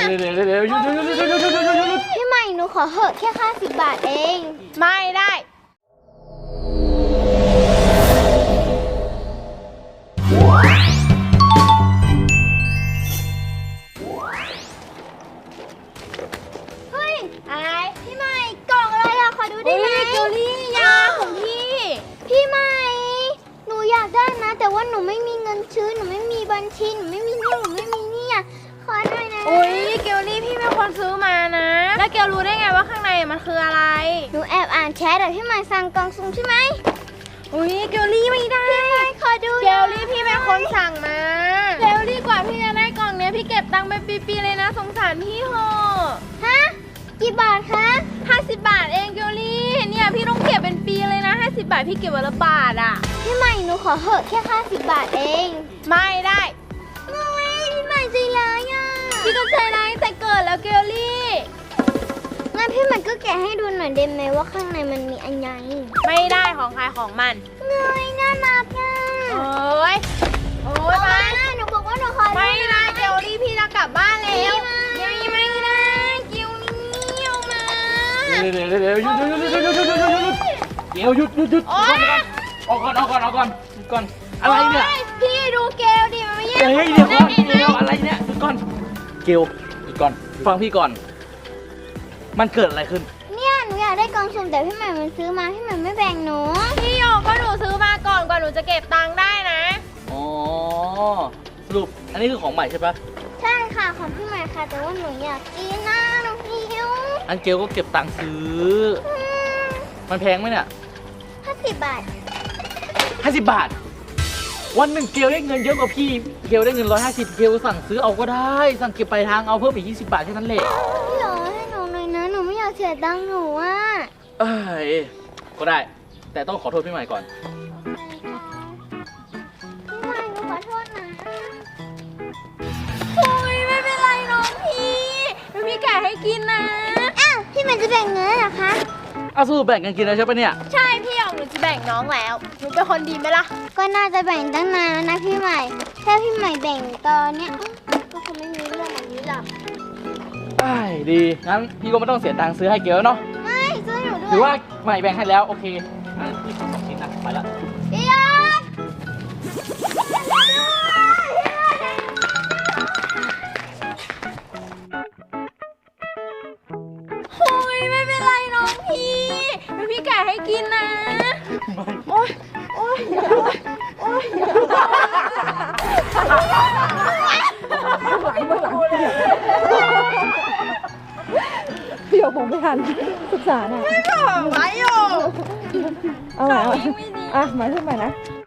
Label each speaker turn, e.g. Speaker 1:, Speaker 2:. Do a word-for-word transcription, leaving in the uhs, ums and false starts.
Speaker 1: เดี๋ยวเดี๋ยวเดี๋ยวหยุดหยุดหยุดหยุดหยุดหยุดหยุดหยุด
Speaker 2: พี่ใหม่หนูขอเหอะแค่ค่าสิบบาทเอง
Speaker 3: ไม่ได้
Speaker 2: เฮ้ยอะไรพี่ใหม่กล่องอะไรอะขอดูได้ไหม
Speaker 3: เกลลี่ยาของพี่
Speaker 2: พี่ใหม่หนูอยากได้นะแต่ว่าหนูไม่มีเงินซื้อหนูไม่มีบัญชีหนูไม่มีเรื่องหนูไม่มีเนี่ยขอหน่อยนะ
Speaker 3: อุ้ยเกลลี่พี่เป็นคนซื้อมานะแล้วเกลรู้ได้ไงว่าข้างในมันคืออะไร
Speaker 2: หนูแอบอ่านแชทแต่พี่ใหม่สั่งกล่องซุ่มใช่ไหม
Speaker 3: อุ้ยเกลลี่ไม่ได้
Speaker 2: พี่ใหม่ขอดู
Speaker 3: เกลลี่พี่เป็นคนสั่งมาเกลลี่กว่าพี่จะได้กล่องเนี้ยพี่เก็บตังค์ไปปีๆเลยนะสงสารพี่เหอะ
Speaker 2: ฮะกี่บาทคะ
Speaker 3: ห้าสิบบาทเองเกลลี่เนี่ยพี่ต้องเก็บเป็นปีเลยนะห้าสิบบาทพี่เก็บวันละบาทอ่ะ
Speaker 2: พี่ใหม่หนูขอเหอะแค่ค่าสิบบาทเอง
Speaker 3: ไม่ได้
Speaker 2: ไม่พี่ใหม่ใจร้ายอ่ะ
Speaker 3: พี่ก็ใจร้ายแต่เกิดแล้วเกลลี่
Speaker 2: งั้นพี่ใหม่ก็แกะให้ดูหน่อยได้ไหมว่าข้างในมันมีอันยัง
Speaker 3: ไม่ได้ของใครของมัน
Speaker 2: เงยน่ารักอ่ะ
Speaker 3: โอ้ยโอ้ยมา
Speaker 2: หนูบอกว่าหนูขอ
Speaker 3: ไม่ได้เกลลี่พี่จะกลับบ้านแล้วยังไม่ได้เกลลี่เอามา
Speaker 1: เดี๋ยวเดี๋ยวเดี๋ยวหยุดหยุดหยุดหยุดหยุดหยุดหยุดหยุดเดี๋ยวหยุดหยุดหยุดออกก่อนออกก่อนออกก่อนก่อนอะไรเนี่ย
Speaker 3: พี่ดูเกลดิมันไม่แย่
Speaker 1: เฮ้ยเดี๋ยวก่อนเดี๋ยวอะไรเนี่ยหยุดก่อนเกลหยุดก่อนฟังพี่ก่อนมันเกิดอะไรขึ้น
Speaker 2: เนี่ยหนูอยากได้กล่องสุ่มแต่พี่ใหม่มันซื้อมาพี่ใหม่ไม่แบ่งหนู
Speaker 3: พี่โยก็หนูซื้อมาก่อนกว่าหนูจะเก็บตังค์ได้นะ
Speaker 1: อ๋อสรุปอันนี้คือของใหม่ใช่ปะ
Speaker 2: ใช่ค่ะของพี่ใหม่ค่ะแต่ว่าหนูอยากกินนะหนูหิว
Speaker 1: อันเกลก็เก็บตังค์ซื้อมันแพงไหมเนี่ย
Speaker 2: ห้าสิบบาท
Speaker 1: ห้าสิบบาทวันหนึ่งเกลได้เงินเยอะกว่าพี่เกลได้เงินร้อยห้าสิบเกลสั่งซื้อเอาก็ได้สั่งเก็บไปทางเอาเพิ่มอีกยี่สิบบาทแค่นั้นแหละ
Speaker 2: พี่หรอให้หนูหน่อยนะหนูไม่อยากเสียตังค์หนูอ่ะ
Speaker 1: เอ้ยก็ได้แต่ต้องขอโทษพี่ใหม่ก่อน
Speaker 2: พี่ใหม่หนูขอโทษนะ
Speaker 3: โอ้ยไม่เป็นไรน้องพี่พี่แกะให้กินนะ
Speaker 2: อ้าวพี่ใหม่จะแบ่งเงินเหรอคะ
Speaker 1: เอาสู้แบ่งกันกินแล้วใช่ปะเนี่ย
Speaker 3: ใช่พี่ออกหนูจะแบ่งน้องแล้วหนูเป็นคนดีไหมล่ะ
Speaker 2: ก็น่าจะแบ่งตั้งนานแล้วนะพี่ใหม่ถ้าพี่ใหม่แบ่งตอนเนี้ยก็คงไม่มีเรื่องแบบนี้หรอก
Speaker 1: ได้ดีงั้นพี่ก็ไม่ต้องเสียตังค์ซื้อให้เกลเนาะ
Speaker 2: ไม่ซื้อหนูด้วย
Speaker 1: ถือว่าใหม่แบ่งให้แล้วโอเคงั้นพี่ขอสองชิ้นนะไปละ
Speaker 2: พี่ยอด
Speaker 3: โอ้ยไม่เป็นไรน้องพี่พี่แกะให้กินนะโอ๊ยโอ๊ยโอ๊ย
Speaker 4: พี่โยผมไม่ทันศึกษาหน่อย
Speaker 3: ไม่บอกไว้โย
Speaker 4: เอาใหม่อ่ะหมายถึงใหม่นะ